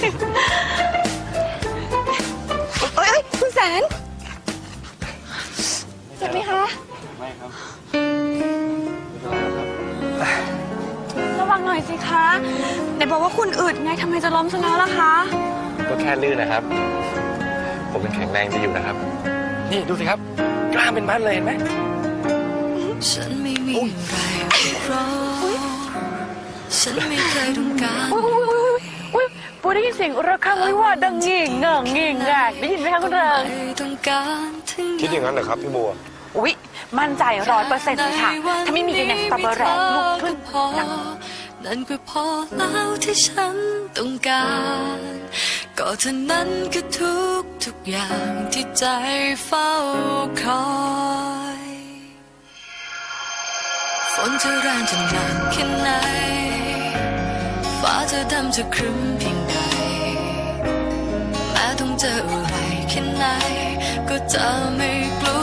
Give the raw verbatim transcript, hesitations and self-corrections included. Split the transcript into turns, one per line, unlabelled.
เอ้ยคุณแสนเจ็บไหมคะไม่ครับระวังหน่อยสิคะไหนบอกว่าคุณอึดไงทำไมจะล้มซะแล้วล่ะคะ
ก็แค่ลื่นนะครับ ผมยังแข็งแรงดีอยู่นะครับนี่ดูสิครับกล้ามเป็นมัดเลยเห็นไหม
ฉันไม่มีอะไรรอฉันไม่เคยต้องการ
อุ้ยปูได้ยินเสียงระฆังวิวาดังงิ่งเง่งงิ่งแงกได้ยินไหมคะคุณเริง
คิดอย่างนั้นเหรอครับพี่บัว
อุ้ยมั่นใจร้อยเปอร์เซ็นต์เลยค่ะถ้าไม่มีอย่างสตรอเบอร์แรงลุกขึ้นดัง
นั่นก็พอแล้วที่ฉันต้องการก็เท่านั้นก็ทุกทุกอย่างที่ใจเฝ้าคอยฝนจะแรงจะหนักแค่ไหนฟ้าจะดำจะครึ้มเพียงใดแม้ต้องเจออะไรแค่ไหนก็จะไม่กลัว